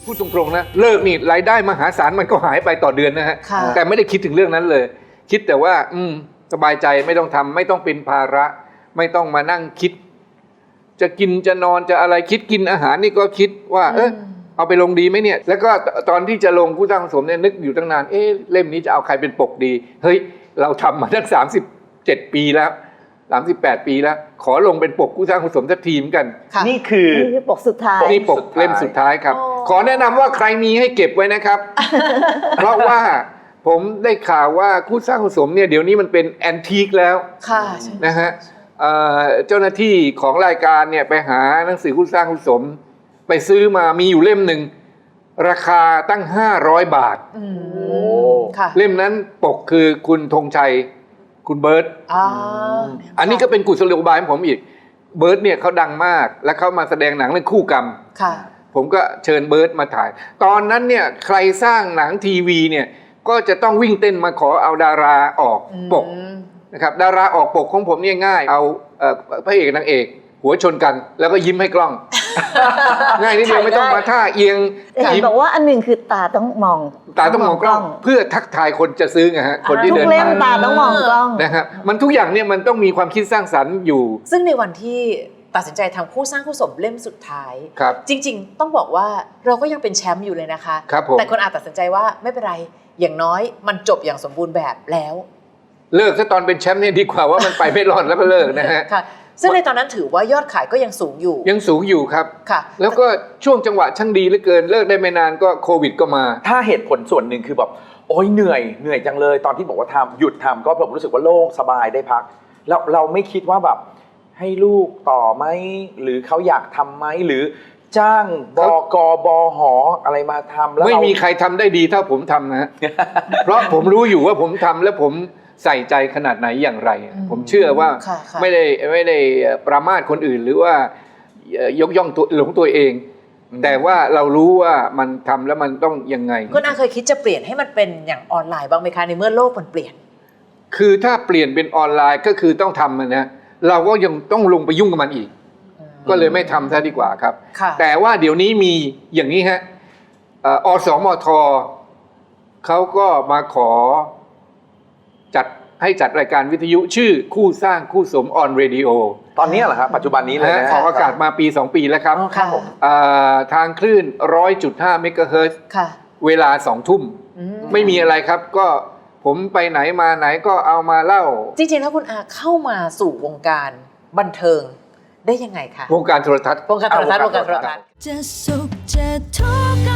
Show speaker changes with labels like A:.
A: พูดตรงๆนะเลิกนี่รายได้มหาศาลมันก็หายไปต่อเดือนนะฮะแต่ไม่ได้คิดถึงเรื่องนั้นเลยคิดแต่ว่าสบายใจไม่ต้องทำไม่ต้องเป็นภาระไม่ต้องมานั่งคิดจะกินจะนอนจะอะไรคิดกินอาหารนี่ก็คิดว่าเอาไปลงดีไหมเนี่ยแล้วก็ตอนที่จะลงคู่สร้างคู่สมเนี่ยนึกอยู่ตั้งนานเล่มนี้จะเอาใครเป็นปกดีเฮ้ยเราทำมาตั้ง37 ปีแล้ว38 ปีแล้วขอลงเป็นปกคู่สร้างคู่สมสักทีมกัน
B: นี่คือ
C: ปกสุดท้าย
A: นี่ปกเล่มสุดท้ายครับขอแนะนำว่าใครมีให้เก็บไว้นะครับ เพราะว่าผมได้ข่าวว่าคู่สร้างคู่สมเนี่ยเดี๋ยวนี้มันเป็นแอนทีคแล้วนะฮะเจ้าหน้าที่ของรายการเนี่ยไปหาหนังสือคู่สร้างคู่สมไปซื้อมามีอยู่เล่มหนึ่งราคาตั้ง500 บาทเล่มนั้นปกคือคุณธงชัยคุณเบิร์ตอันนี้ก็เป็นกุศโลบายของผมอีกเบิร์ตเนี่ยเขาดังมากและเขามาแสดงหนังเรื่องคู่กรรมผมก็เชิญเบิร์ตมาถ่ายตอนนั้นเนี่ยใครสร้างหนังทีวีเนี่ยก็จะต้องวิ่งเต้นมาขอเอาดาราออกปกนะครับดาราออกปกของผมเนี่ยง่ายเอาพระเอกนางเอกหัวชนกันแล้วก็ยิ้มให้กล้องง่ายนิดเดียวไม่ต้องมาท่าเอียง
C: เห็นบอกว่าอันหนึ่งคือตาต้องมอง
A: กล้องเพื่อทักทายคนจะซื้อไงฮะคนที่เดินผ่าน
C: ทุกเล่มตาต้องมองกล้อง
A: นะครับมันทุกอย่างเนี่ยมันต้องมีความคิดสร้างสรรค์อยู่
B: ซึ่งในวันที่ตัดสินใจทำคู่สร้างคู่สมเล่มสุดท้ายจริงๆต้องบอกว่าเราก็ยังเป็นแชมป์อยู่เลยนะคะแต่คนอาจตัดสินใจว่าไม่เป็นไรอย่างน้อยมันจบอย่างสมบูรณ์แบบแล้ว
A: เลิกซะตอนเป็นแชมป์เนี่ยดีกว่าว่ามันไปไม่รอดแล้วก็เลิกนะฮะ
B: ซึ่งในตอนนั้นถือว่ายอดขายก็ยังสูง
A: อยู่ครับแล้วก็ช่วงจังหวะช่างดีเหลือเกินเลิกได้ไม่นานก็โควิดก็มา
D: ถ้าเหตุผลส่วนหนึ่งคือแบบโอ๊ยเหนื่อยจังเลยตอนที่บอกว่าหยุดทำก็แบบรู้สึกว่าโล่งสบายได้พักแล้วเราไม่คิดว่าแบบให้ลูกต่อไหมหรือเขาอยากทำไหมหรือจ้างบกบหอะไรมาทำแล้ว
A: ไม่มีใครทำได้ดีเท่าผมทำนะ เพราะผมรู้อยู่ว่าผมทำแล้วผมใส่ใจขนาดไหนอย่างไรผมเชื่อว่าไม่ได้ประมาทคนอื่นหรือว่ายกย่องตัวเองแต่ว่าเรารู้ว่ามันทำแล้วมันต้องยังไง
B: คุณอาเคยคิดจะเปลี่ยนให้มันเป็นอย่างออนไลน์บ้างไหมคะในเมื่อโลกมันเปลี่ยน
A: คือถ้าเปลี่ยนเป็นออนไลน์ก็คือต้องทำนะเราก็ยังต้องลงไปยุ่งกับมันอีกก็เลยไม่ทำซะดีกว่าครับแต่ว่าเดี๋ยวนี้มีอย่างนี้ฮะอสมทเขาก็มาขอให้จัดรายการวิทยุชื่อคู่สร้างคู่สมออนเรดิโอ
D: ตอนนี้เหรอครับปัจจุบันนี้เลยนะ
A: ออกอากาศมาปี2 ปีแล้วครับทางคลื่น 100.5 เมกะเฮิรตซ์เวลา 20:00 น.ไม่มีอะไรครับก็ผมไปไหนมาไหนก็เอามาเล่า
B: จริงๆแล้วคุณอาเข้ามาสู่วงการบันเทิงได้ยังไงคะ
A: วงการโทรทัศน์
B: วงการโทรทัศน์จะสุขจะทุกข์